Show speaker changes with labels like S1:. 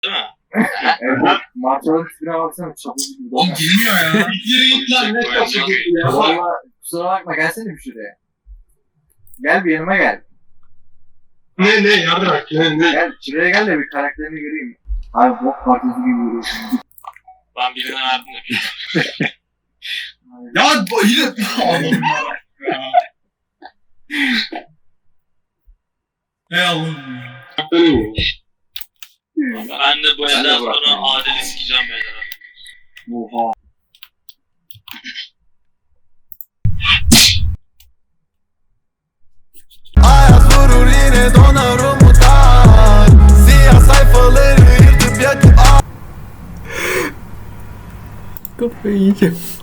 S1: Değil mi?
S2: Evet. Martıların tipine baksana. Çapul gibi.
S3: Oğlum girmiyor ya.
S4: Yürü git lan ne
S1: Koyacağım.
S4: çabuk ya.
S2: Valla kusura bakma gelsene bir şuraya. Gel bir yanıma gel.
S4: Ne yarrak ne.
S2: Gel şuraya gel de bir karakterini göreyim. Abi bok partisi gibi vuruyorsun.
S1: Ben birine verdim de bir.
S3: Ya yine Allah'ım ya. Ey Allah'ım ya.
S1: Ben de bu
S2: Ben de
S1: elden
S2: bırakmam.
S1: sonra Adil'i sikeceğim beyler.
S2: Oha.
S5: Hayat vurur yine donar umutlar. Siyah sayfaları yırtıp yakıp
S6: Kafayı yiyeceğim.